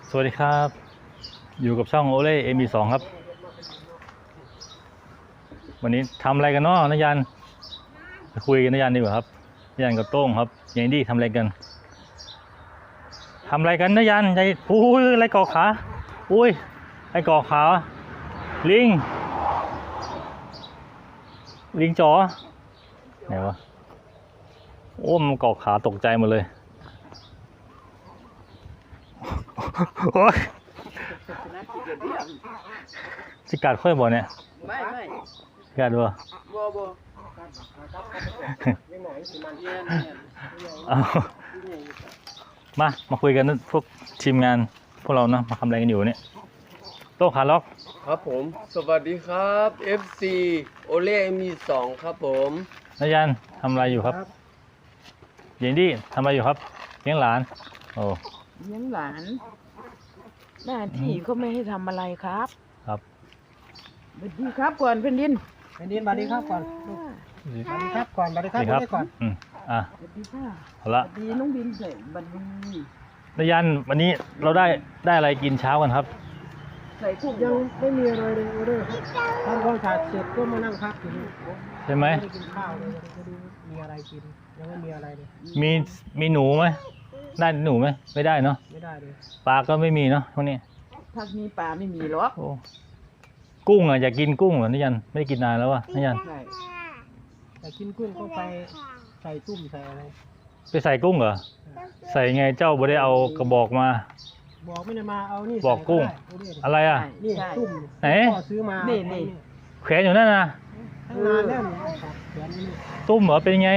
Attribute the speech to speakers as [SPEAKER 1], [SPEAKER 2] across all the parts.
[SPEAKER 1] สวัสดีครับอยู่กับช่องโอเล่MB2ครับวันนี้ทำอะไรกันเนาะนยันไปคุยกันนยันดีกว่าครับนยันกับโต้งครับยังดีทำอะไรกันนยันใจอุ้ยอะไรเกาะขาอุ้ยไอเกาะขาลิงจ๋อไหนวะโอ้มันเกาะขาตกใจหมดเลยโอ้ยสิกัดค่อยบ่เนี่ยไม่กัดบ่มาคุยกันพวกทีมงานพวกเรานะมาทำอะไรกันอยู่เนี่ยโต้ขาล็อก
[SPEAKER 2] ครับผมสวัสดีครับ FC โอเล่MB2ครับผม
[SPEAKER 1] นยันทำอะไรอยู่ครับเย็นดีทำอะไรอยู่ครับเลี้ยงหลานโอ้
[SPEAKER 3] เลี้ยงหลานหน้าที่เขาไม่ให้ทำอะไรครับ
[SPEAKER 1] ครับ
[SPEAKER 3] สวัสดีครับก่อนแผ่นดิน
[SPEAKER 4] สวัสดีครับก่อนสวัสดีครับก่อนสวัสดีครับก่อน
[SPEAKER 3] สวัสดีค่ะ
[SPEAKER 1] เอาละ
[SPEAKER 3] สวัสดีน้องบินเสร็จบัดนี้
[SPEAKER 1] นยันวันนี้เราได้อะไรกินเช้ากันครับ
[SPEAKER 3] ใส่กุ้ง
[SPEAKER 4] ยังไม่มีอะไรเลยทำความสะอาดเสร็จก็มานั่งพักอยู่นี่
[SPEAKER 1] ใช่ไหม
[SPEAKER 4] ไม่ได้กินข้าวเลยจะดูมีอะไรกินยังไม่มีอะไรเลย
[SPEAKER 1] มีหนูไหมได้หนูไหมไม่ได้เนาะ
[SPEAKER 4] ไม่ได้เลย
[SPEAKER 1] ปลาก็ไม่มีเนาะพวกนี้
[SPEAKER 3] พักนี้ปลาไม่มีหรอก
[SPEAKER 1] กุ้งอ่ะอยากกินกุ้งเหรอนยันไม่ได้กินนานแล้ววะนยัน
[SPEAKER 4] แต่กินกุ้งก็ไปใส่ตุ้มใส่อะไร
[SPEAKER 1] ไปใส่กุ้งเหรอใส่ไงเจ้าบ่ได้เอากระบอกมา
[SPEAKER 4] บอกไม่ได้มาเอานี่
[SPEAKER 1] บอกกุ้งอะไรอ่ะ
[SPEAKER 4] นี่ตุ้ม
[SPEAKER 1] ไหน
[SPEAKER 4] ซื้อมา
[SPEAKER 3] นี่
[SPEAKER 1] แขวนอยู่นั่นนะ
[SPEAKER 4] ตั้งนานแล้ว
[SPEAKER 1] ตุ้มเหรอเป็นไง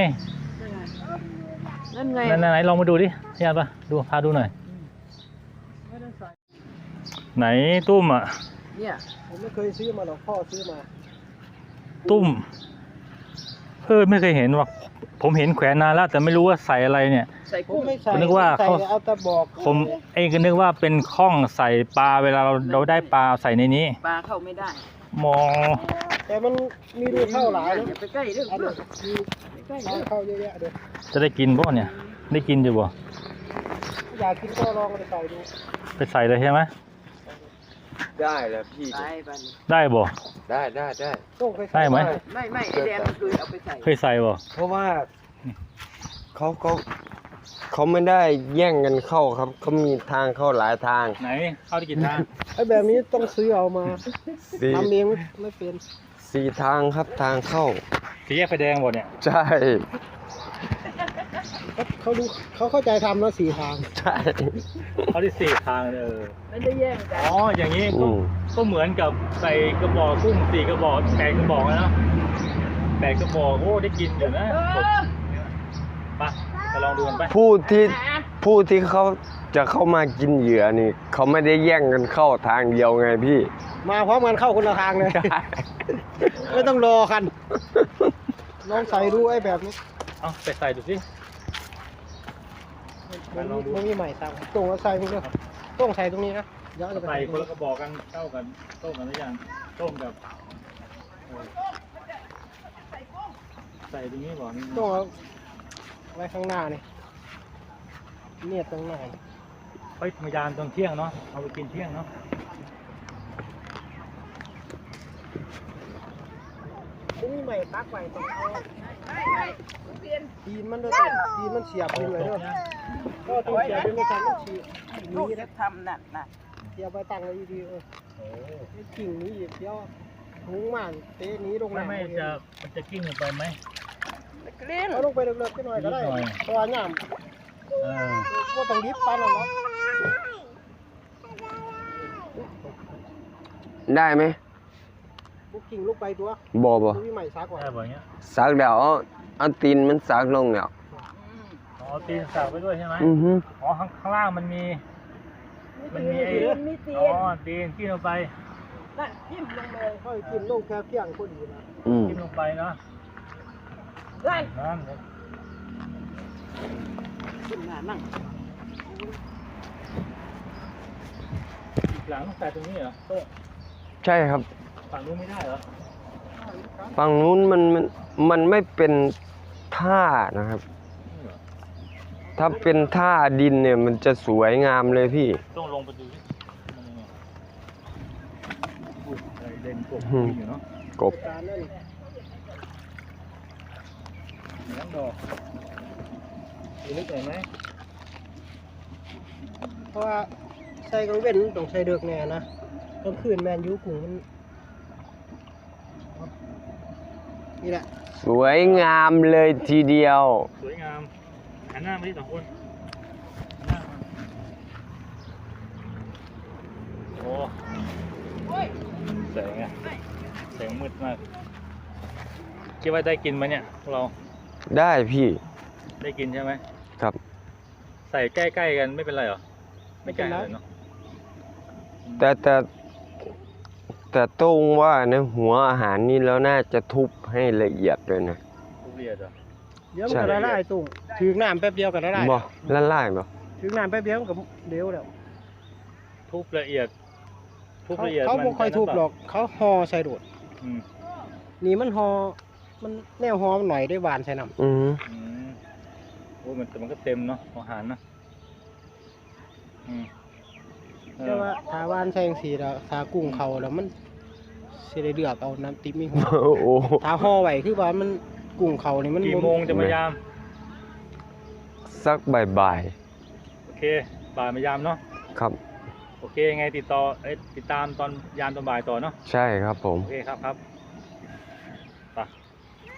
[SPEAKER 3] นั่นไง
[SPEAKER 1] ไหนลองมาดูดินยันปะดูพาดูหน่อยไหนตุ้มอ่ะ
[SPEAKER 3] เนี่ย
[SPEAKER 4] ผมไม่เคยซื้อมาหรอกพ่อซื้อมา
[SPEAKER 1] ตุ้มไม่เคยเห็นว่ะผมเห็นแขวนนานแล้วแต่ไม่รู้ว่าใส่อะไรเนี่ย
[SPEAKER 3] ใส่กุ้ง
[SPEAKER 4] ไม่ใส่
[SPEAKER 1] นึกว่าเขา
[SPEAKER 4] เอาตะบอก
[SPEAKER 1] ผมเองก็นึกว่าเป็นข้องใส่ปลาเวลาเราได้ปลาใส่ในนี้
[SPEAKER 3] ปลาเข้าไม่ได้
[SPEAKER 1] มอ
[SPEAKER 4] แต่มันมีรูเข้าหลายนะ
[SPEAKER 3] ไปใกล้เรื่อง
[SPEAKER 4] ใกล้เข้าเยอะแยะเลย
[SPEAKER 1] จะได้กินป่ะเนี่ยได้กินอยู่บ่
[SPEAKER 4] อยากกินก็ลองไปใส่ดู
[SPEAKER 1] ไปใส่เลยใช่ไหม
[SPEAKER 2] ได้แล้วพี่
[SPEAKER 1] ได้บ่
[SPEAKER 2] ได้
[SPEAKER 1] ได้ไหม
[SPEAKER 3] ไม่ไอแดงเคยเอาไปใส่
[SPEAKER 1] เคยใส่บ่
[SPEAKER 2] เพราะว่าเขาไม่ได้แย่งกันเข้าครับเขามีทางเข้าหลายทาง
[SPEAKER 1] ไหนเข้าได้กี่ทาง
[SPEAKER 4] ไอ้แบบนี้ต้องซื้อเอามาทำเองไม่เป็น
[SPEAKER 2] 4 ทางครับทางเข้า
[SPEAKER 1] สี่แยกไฟแดงบ่เนี่ย
[SPEAKER 2] ใช่
[SPEAKER 4] เขาเข้าใจทำแล้ว4 ทาง
[SPEAKER 2] ใช่
[SPEAKER 1] เขาได้4 ทาง
[SPEAKER 3] ไม่ได้แย่งกัน
[SPEAKER 1] อ๋ออย่างนี้ก็เหมือนกับใส่กระบอกกุ้ง4 กระบอก8 กระบอกนะ8 กระบอกโอ้ได้กินอยู่นะไปลองดูกันไป
[SPEAKER 2] ผู้ที่เขาจะเข้ามากินเหยื่อนี่เขาไม่ได้แย่งกันเข้าทางเดียวไงพี่
[SPEAKER 4] มาพร้อมกันเข้าคนละทางเลยไม่ต้องรอกันลองใส่ดูไอ้แบบนี้
[SPEAKER 1] เอาไปใส่ดูสิ
[SPEAKER 4] มันมีใหม่สั่งตรงแล้วใส่มึงก็ต้องใส่ตรงนี้นะ
[SPEAKER 1] ใส่คนละกระบอกกันเท่ากันต้มกันหรือยังต้มกับใส่ตรงนี้ก่อน
[SPEAKER 4] ต้องเอาไว้ข้างหน้านี่เนี่ยตรงหน้า
[SPEAKER 1] เฮ้ยมายานตอนเที่ยงเนาะเอาไปกินเที่ยงเนาะ
[SPEAKER 4] นี่ใหม่ปักไว้ต้องเอาตีนมันด้วยตีนมันเสียบไปเลยด้วยก็ต้องเสียบไปไม่ทันมันฉีก
[SPEAKER 3] ลูกจะทำน่ะ
[SPEAKER 4] เสียบไปตั้งไว้ดีกิ่งนี้อีกเดียวหุงมันเตะนี้ลง
[SPEAKER 1] ไม่มันจะกิ้งลงไปไหม
[SPEAKER 4] เอาลงไปเล็กๆหน่อยก็ได้ตัวหยามว่าต้องดิบปานหรอ
[SPEAKER 2] ได้ไหม
[SPEAKER 4] บุกกิ่งลูกไปตัว
[SPEAKER 2] บ่
[SPEAKER 4] มีใหม่ซักก่อน
[SPEAKER 2] ซักเดี๋ยวเอาตีนมันซักลงเดี๋ยว
[SPEAKER 1] อ๋อตีนซักไปด้วยใช่ไหมอ๋อข้างล่างมันมีอ๋อตีนกิ้งลงไป
[SPEAKER 3] น่ะกิ้งลงเลย
[SPEAKER 4] ค่อยกิ้งลงแค่เพียงพอดีนะ
[SPEAKER 1] กิ้งลงไปเนาะ
[SPEAKER 3] นั่นนั่ง
[SPEAKER 1] หลังใส่ตรงนี้เหรอโต๊ะ
[SPEAKER 2] ใช่ครับ
[SPEAKER 1] ฝั่งนู้นไม่ได้เหรอ
[SPEAKER 2] ฝั่งนู้นมันไม่เป็นท่านะครับถ้าเป็นท่าดินเนี่ยมันจะสวยงามเลยพี่
[SPEAKER 1] ต้องลงไปดูดิมันยังไงอุ๊ยอะไรเล่นกบ
[SPEAKER 2] อืม
[SPEAKER 1] อยู่เนาะ
[SPEAKER 2] กบ
[SPEAKER 4] การนั่น
[SPEAKER 1] เหมือนดอกมีนึกเห็นไหม
[SPEAKER 4] เพราะว่าใส่กางเว้นต้องใส่เดือกแน่นะกลางคืนแมนยูกุ้งมันนี่แหละ
[SPEAKER 2] สวยงามเลยทีเดียว
[SPEAKER 1] สวยงามหันหน้ามาที่สองคนหันหน้ามาโอ้แสงอะแสงมืดมากคิดว่าได้กินไหมเนี่ยพวกเรา
[SPEAKER 2] ได้พี่
[SPEAKER 1] ได้กินใช่ไหม
[SPEAKER 2] ครับ
[SPEAKER 1] ใส่ใกล้ๆกันไม่เป็นไรเหรอไม่ใกล้เลยเนาะ
[SPEAKER 2] แต่ตรงว่านะหัวอาหารนี่แล้วน่าจะทุบให้ละเอียดเลยนะ
[SPEAKER 1] ทุเรียนเหรอ
[SPEAKER 4] เดี๋ยวมันก็ละลายตุ้งถึงน้ำแป๊บเดียวก็ละลาย
[SPEAKER 2] บ่ละลายบ่
[SPEAKER 4] ถึงน้ำแป๊บเดียวมันก็เดี๋ยวแล้ว
[SPEAKER 1] ทุบละเอียดทุบละเอียด
[SPEAKER 4] เขา
[SPEAKER 1] มัน
[SPEAKER 4] บ่ค่อยทุบหรอกเขาห่อใส่โดด
[SPEAKER 1] อืม
[SPEAKER 4] นี่มันห่อมันแนวห่อมันหน่อยได้หวานใส่น้ำ
[SPEAKER 2] อืม
[SPEAKER 1] อืมโอ้ยแต่มันก็เต็มเนาะอาหารนะอืมเออ
[SPEAKER 4] แต่ว่าถ้าหวานใส่จังซี่แล้วถ้ากุ้งเขาแล้วมันสิได้เลือกเอาน้ำติ๊บมีหัว
[SPEAKER 2] โอ้
[SPEAKER 4] ถ้าห่อไว้คือว่ามันกุ้งเขานี่มัน
[SPEAKER 1] กี่โมงจะมายาม
[SPEAKER 2] สักบ่าย
[SPEAKER 1] โอเคบ่ายมายามเนาะ
[SPEAKER 2] ๆครับ
[SPEAKER 1] โอเคยังไงติดตามตอนยามตอนบ่ายต่อเนาะ
[SPEAKER 2] ใช่ครับผม
[SPEAKER 1] โอเคครับครับไป
[SPEAKER 2] ไป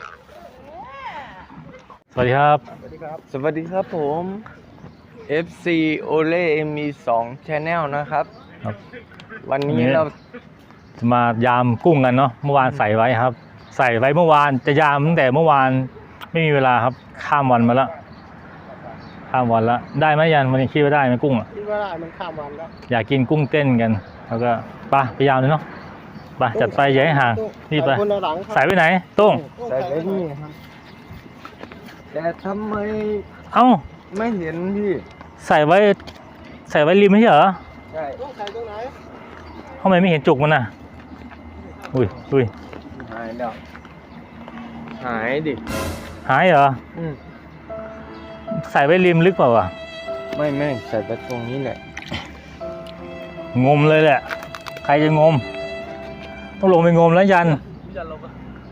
[SPEAKER 1] สวัสดีครับ
[SPEAKER 4] สวัสดีครับ
[SPEAKER 2] สวัสดีครับผม FC Ole Mi 2 Channel นะครับ
[SPEAKER 1] ครับ
[SPEAKER 2] วันนี้
[SPEAKER 1] วันนี้
[SPEAKER 2] เรา
[SPEAKER 1] จะมายามกุ้งกันเนาะเมื่อวานใส่ไว้ครับ ใส่ไว้เมื่อวานจะยามตั้งแต่เมื่อวานไม่มีเวลาครับข้ามวันมาแล้วข้ามวันแล้วได้ไหมยันวันนี้คิดว่าได้ไหมกุ้งอ่ะ
[SPEAKER 4] คิดว่าได้มันข้ามวันแล้ว
[SPEAKER 1] อยากกินกุ้งเต้นกันแล้วก็ไปยามเลยเนาะไปจัดไปอย่าให้ห่างนี่ไป
[SPEAKER 4] ใส่คนละหลังครับ
[SPEAKER 1] ใส่ไว้ไหนตุ้ง
[SPEAKER 2] ใส่ไว้นี่ครับ แต่ทำไม
[SPEAKER 1] เอ้า
[SPEAKER 2] ไม่เห็นพี่
[SPEAKER 1] ใส่ไว้ริมไม่ใช่เหรอ
[SPEAKER 2] ใช่
[SPEAKER 4] ต้องใส่ตรงไหน
[SPEAKER 1] ทำไมไม่เห็นจุกมันน่ะอุ้ย
[SPEAKER 2] หายแล้ว หายดิ
[SPEAKER 1] หายเหรอ
[SPEAKER 2] อืม
[SPEAKER 1] ใส่ไว้ริมลึกเปล่าวะ
[SPEAKER 2] ไม่ใส่ไปตรงนี้แหละ
[SPEAKER 1] งมเลยแหละใครจะงม ต้องลงไปงมแล้วยัน
[SPEAKER 4] อย่าลง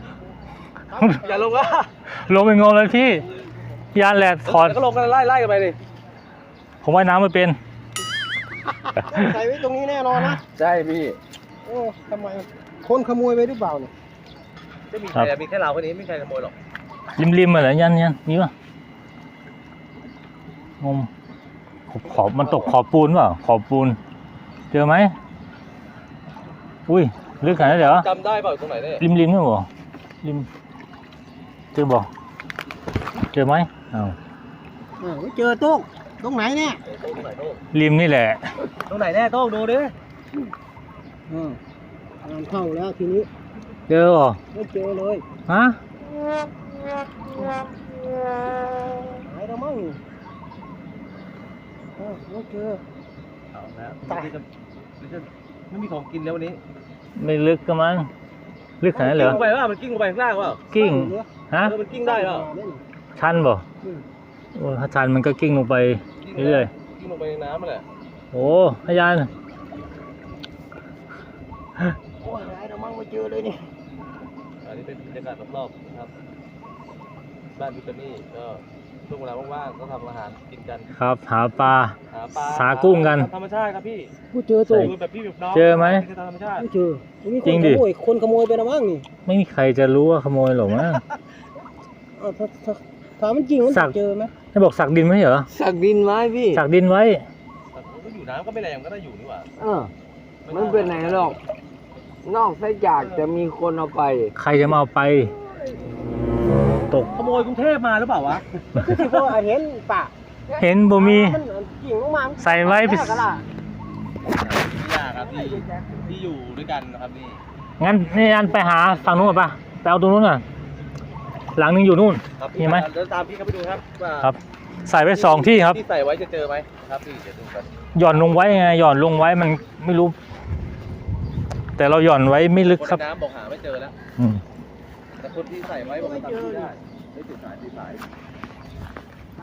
[SPEAKER 4] อ่ะ
[SPEAKER 1] ลงไปงมแล้วพี่ยันแหละถอด
[SPEAKER 4] ก็ลงกันไล่กันไปดิ
[SPEAKER 1] ผมว่ายน้ำไม่เป็น
[SPEAKER 4] ใส่ไว้ตรงนี้แน่นอนนะ
[SPEAKER 2] ใช่พี่
[SPEAKER 4] โอ้ทำไมคนขโมยไปหรือเปล่าเนี่ย
[SPEAKER 2] จะมีใครมีแค่เราคนนี้ไม่มีใครขโมยหรอก
[SPEAKER 1] ริมๆมาเหรอยันมีป่ะงมขอบมันตกขอบปูนเปล่าขอบปูน เจอไหมอุ้ยลึกขนาดนั้นเหรอ
[SPEAKER 2] จำได้เปล่าตรงไหนเนี่ย
[SPEAKER 1] ริมนี่บ่ริมเจอบ่เจอไหมอ้าว
[SPEAKER 4] ไม่เจอโต๊ะตรงไหนเนี่ย
[SPEAKER 2] ตรงไหนโต้ง
[SPEAKER 1] ริมนี่แหละ
[SPEAKER 2] ตรงไหนแน่โต้งดูดิ
[SPEAKER 4] งานเข้าแล้วทีนี้
[SPEAKER 1] เจอบ่
[SPEAKER 4] ไม่เจอเลย
[SPEAKER 1] ฮะ
[SPEAKER 4] หายแล้วมั้งไม่เจอ
[SPEAKER 2] เอาแล้วไม่มีของกินแล้ววันนี้
[SPEAKER 1] ไม่ลึกก็มั้งลึกขนาดนั้นเหรอ
[SPEAKER 2] กิ้งลงไปว่ามันกิ้งลงไปข้างล่างว่า
[SPEAKER 1] กิ้งฮะ
[SPEAKER 2] มันกิ้งได้เปล่า
[SPEAKER 1] ชันบ่โอ้ถ้าชันมันก็กิ้งลงไปเรื่อย
[SPEAKER 2] กิ้งลงไปในน้ำมันแหละ
[SPEAKER 1] ๆโอ้อาจารย์
[SPEAKER 4] โอ้ยหายแล้วมั้งไม่เจอเลยนี่
[SPEAKER 2] อันนี้เป็นบรรยากาศรอบๆนะครับบ้านพิตานี่ก็ช่วงเวลาว่างๆก็ทำอาหารกินกัน
[SPEAKER 1] ครับหาปลา
[SPEAKER 2] หาปลา
[SPEAKER 1] หากุ้งกัน
[SPEAKER 2] ธรรมชาติครับพี่
[SPEAKER 4] ไม่เจอโต๊ะ
[SPEAKER 2] คือแบบพี่แบบน้อง
[SPEAKER 1] เจอไหม
[SPEAKER 2] คือธรรมชาติ
[SPEAKER 4] ไม่เจอมี
[SPEAKER 1] จริงดิ
[SPEAKER 4] คนขโมยไปแล้วมั้งนี่
[SPEAKER 1] ไม่มีใครจะรู้ว่าขโมยหรอกมั้ง
[SPEAKER 4] ถ้ามันจริงมัน
[SPEAKER 1] สั
[SPEAKER 4] จะ
[SPEAKER 1] ก
[SPEAKER 4] เจอไหม
[SPEAKER 1] ให้บอกสักดินไม่ใช่เหรอ
[SPEAKER 2] สักดินไม้พี่
[SPEAKER 1] สักดินไว้
[SPEAKER 2] แต่ผมก็อยู่น้ำก็ไม่แรงก็ได้อยู่นี่หว่า
[SPEAKER 5] มันเป็นไหนหรอก นอกจากจะมีคนเอาไป
[SPEAKER 1] ใครจะมาเอาไป ตก
[SPEAKER 2] ขโมยกรุงเทพมาหรือเปล่าวะ
[SPEAKER 4] ที่พ่อเห็นปะ
[SPEAKER 1] เห็นบ่มี
[SPEAKER 4] มันจริงลงมา
[SPEAKER 1] ใส่ไว้ไป
[SPEAKER 4] แม่กะล่ะ
[SPEAKER 2] พี่ยาครับที่อยู่ด้วยกันนะครับนี่
[SPEAKER 1] งั้นนี่อันไปหาฝั่งนู้นก่อนป่ะไปเอาตรงนู้นก่อนหลังนึงอยู่นู่น
[SPEAKER 2] ครับ
[SPEAKER 1] มีไหม
[SPEAKER 2] เดินตามพี่เขาไปดูครับว่า
[SPEAKER 1] ครับ ใส่ไว้สองที่ครับ
[SPEAKER 2] ที่ใส่ไว้จะเจอไหมครับพี่เดี๋ยวดูกัน
[SPEAKER 1] หย่อนลงไว้ไงหย่อนลงไว้มันไม่รู้ แต่เราหย่อนไว้ไม่ลึก
[SPEAKER 2] คน
[SPEAKER 1] ครับ
[SPEAKER 2] ในน้ำบอกหาไม่เจอแล้ว
[SPEAKER 1] อืม
[SPEAKER 2] แต่คนที่ใส่ไว้บอกว่าทำที่ได้ไม่ติดสาย
[SPEAKER 4] หา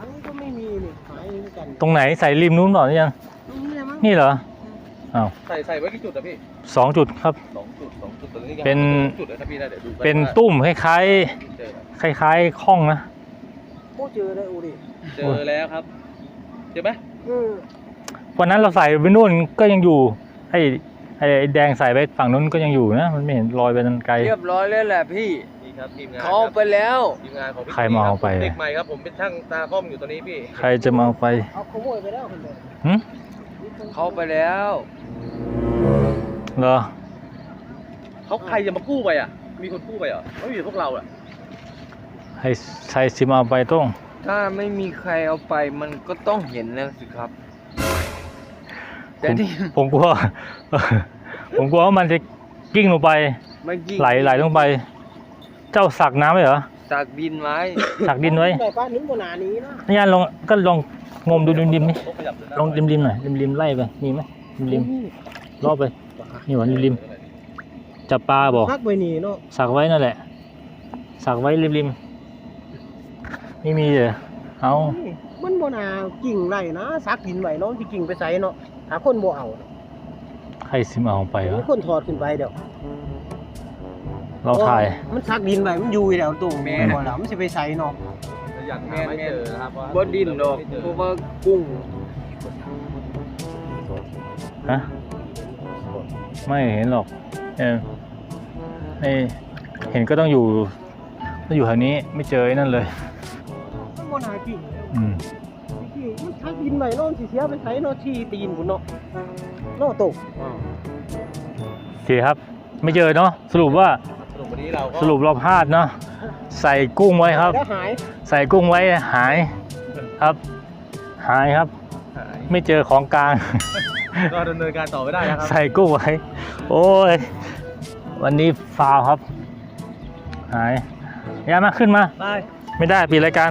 [SPEAKER 4] อันนี้ก็ไม่มีนี่หายเหมือนกัน
[SPEAKER 1] ตรงไหนใส่ริมนู้นเปล่าเนี่ย
[SPEAKER 4] ตรงนี้แหละมั้ง
[SPEAKER 1] นี่เหรออ้าว
[SPEAKER 2] ใส่ไว้กี่จุดอะพี่
[SPEAKER 1] 2 จุดครับ
[SPEAKER 2] 2 จุดตอนนี้
[SPEAKER 1] เป็น
[SPEAKER 2] จุดเลยนะพี่นะเดี๋ยวดู
[SPEAKER 1] เป็นตุ้มคล้าย
[SPEAKER 2] เจอ
[SPEAKER 1] ๆคล้ายๆข้องนะ
[SPEAKER 4] โอ้เจอได้อูดิ
[SPEAKER 2] เจอแล้วครับเจอไหม
[SPEAKER 1] วันนั้นเราใส่ไปนู่นก็ยังอยู่ไอ้แดงใส่ไปฝั่งนู้นก็ยังอยู่นะมันไม่เห็นรอยไปนั่นไกล
[SPEAKER 5] เรียบร้อยแล้วแหละพี่
[SPEAKER 2] นี่ครับทีมงาน
[SPEAKER 5] เขาเอาไปแล้ว
[SPEAKER 2] ทีมงานของพี่
[SPEAKER 1] ใครมาเอาไป
[SPEAKER 2] เด็กใหม่ครับผมเป็นช่างตาคอมอยู่ตอนนี้พี่
[SPEAKER 1] ใครจะมาเอาไป
[SPEAKER 4] เอาขโมยไปแล้วคนเดียว
[SPEAKER 1] หึ
[SPEAKER 5] เขาเอาไปแล้ว
[SPEAKER 1] เหรอ
[SPEAKER 2] เขาใครจะมากู้ไปอ่ะมีคนกู้ไปเหรอไม่มีพวกเราอ่ะ
[SPEAKER 1] ให้ใครสิมาเอาไปต้อง
[SPEAKER 5] ถ้าไม่มีใครเอาไปมันก็ต้องเห็นแล้วสิครับ แต่ที่
[SPEAKER 1] ผมกลัว ผมกลัวว่ามันจะกิ้งลงไป
[SPEAKER 5] เมื่อกี้
[SPEAKER 1] ไหลลงไป เจ้าสักน้ำไว้เหรอ
[SPEAKER 5] ตากดินไว้
[SPEAKER 1] สักดินไว้
[SPEAKER 4] แต่ป้านึกบนหนานี้นะ
[SPEAKER 1] นี่ยันลองก็ลองงมดูริมๆนี่
[SPEAKER 2] เขาขยับเลยนะ
[SPEAKER 1] ลองริมๆหน่อยริมๆไล่ไปมีไหมริมๆรอบไปนี่หว่าริมๆจับปลาบอก
[SPEAKER 4] พักไปนี่เนาะ
[SPEAKER 1] สักไว้นั่นแหละ สักไว้ริมๆไม่มีเลยเอา
[SPEAKER 4] มันบนหนากิ่งไรนะซักดินไหวเนาะที่กิ่งไปใส่เนาะหาคนบ่เอา
[SPEAKER 1] ใครสิมาเอาไปวะ
[SPEAKER 4] มีคนถอดขึ้นไปเดี๋ยว
[SPEAKER 1] เราถ่าย
[SPEAKER 4] มันซักดินไหวมันอยู่แล้วตรงแม่บ่แล้วมันสิไปใส่เนาะ
[SPEAKER 2] ยังหาไม่เจอนะครับว่า
[SPEAKER 5] บ่ดินดอกเพราะว่ากุ้ง
[SPEAKER 1] ฮะไม่เห็นหรอกไอ้เห็นก็ต้องอยู่แถวนี้ไม่เจอไอ้นั่นเลย
[SPEAKER 4] มันบนหนากิ่ง
[SPEAKER 1] อืม
[SPEAKER 4] กิ่งมันซักดินไหวเนาะสิเสียไปใส่เนาะที่ตีนพุ่นเนาะเนาะตก
[SPEAKER 1] โอเคครับ ไม่เจอเนาะสรุปว่า
[SPEAKER 2] สรุปวันนี้เราก็
[SPEAKER 1] สรุปเราพลาดเนาะใส่กุ้งไว้ครับ
[SPEAKER 4] แล้วหาย
[SPEAKER 1] ใส่กุ้งไว้หายครับ หายครับ
[SPEAKER 2] หาย
[SPEAKER 1] ไม่เจอของกลาง
[SPEAKER 2] ก็ดำเนินการต่อไม่ได้นะครับ
[SPEAKER 1] ใส่กุ้งไว้ โอ้ย วันนี้ฟาวครับ หายย้ายมาขึ้นมา
[SPEAKER 2] ได้
[SPEAKER 1] ไม่ได้ปิดรายการ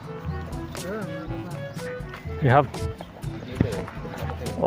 [SPEAKER 1] นี่ครับ โอ้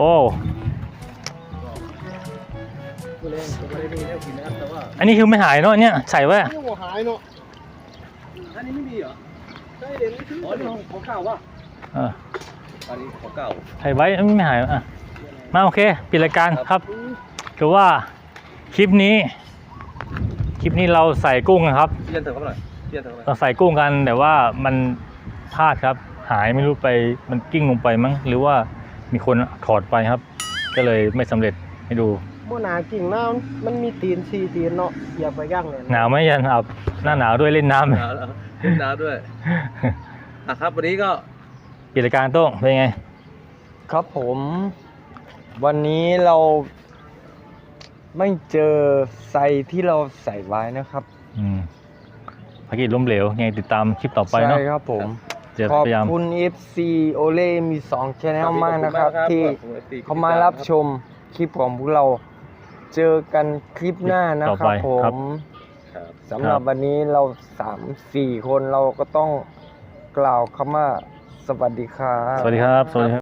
[SPEAKER 2] ผู้เล่นก็ไม่ได้มีแนวกินนะครับแต่ว่า
[SPEAKER 1] อันนี้คือไม่หายเนาะเนี่ยใส่ไว้อะ
[SPEAKER 4] นี่บ่หายเนาะ
[SPEAKER 2] อันนี้ไม่มีเหรอ
[SPEAKER 4] ใช่เด่นนี่คือ
[SPEAKER 2] อ๋อนี่ของเก่าว่ะ
[SPEAKER 1] เออ
[SPEAKER 2] อันนี้ของเก่า
[SPEAKER 1] ใส่ไว้ไม่หายอ่ะมาโอเคปิดรายการครับคือว่าคลิปนี้เราใส่กุ้งนะครับ
[SPEAKER 2] เทียนเถอะเขาหน่อยเทียนเถอะเขาหน่อย
[SPEAKER 1] เราใส่กุ้งกันแต่ว่ามันพลาดครับ หายไม่รู้ไปมันกิ้งลงไปมั้งหรือว่ามีคนถอดไปครับ ก็เลยไม่สำเร็จให้ดู
[SPEAKER 4] บ่หนากิ่งน้ำมันมีตีน4ตีนเนาะเหยียบไปย่างเลย
[SPEAKER 1] หนาวไหมยันอับหน้าหนาวด้วยเล่นน้ำ
[SPEAKER 2] หนาวแล้วเล่นน้ำด้วยอ่ะครับวันนี้ก็
[SPEAKER 1] กิจการโต้งเป็นไง
[SPEAKER 5] ครับผมวันนี้เราไม่เจอไซที่เราใส่ไว้นะครับ
[SPEAKER 1] ภารกิจล้มเหลวยังไงติดตามคลิปต่อไปเนาะ
[SPEAKER 5] ใช่ครับผม
[SPEAKER 1] จะ
[SPEAKER 5] ขอบ
[SPEAKER 1] พยายาม
[SPEAKER 5] คุณ FC โอเล่มี2 Channel มากนะครับ ที่เขามารับชมคลิปของพวกเรา เจอกันคลิปหน้านะครับผม
[SPEAKER 2] ครับ
[SPEAKER 5] สำหรับวันนี้เรา 3-4 คนเราก็ต้องกล่าวคำว่าสวัสดีครับ
[SPEAKER 1] สวัสดีครับสวัสดีครับ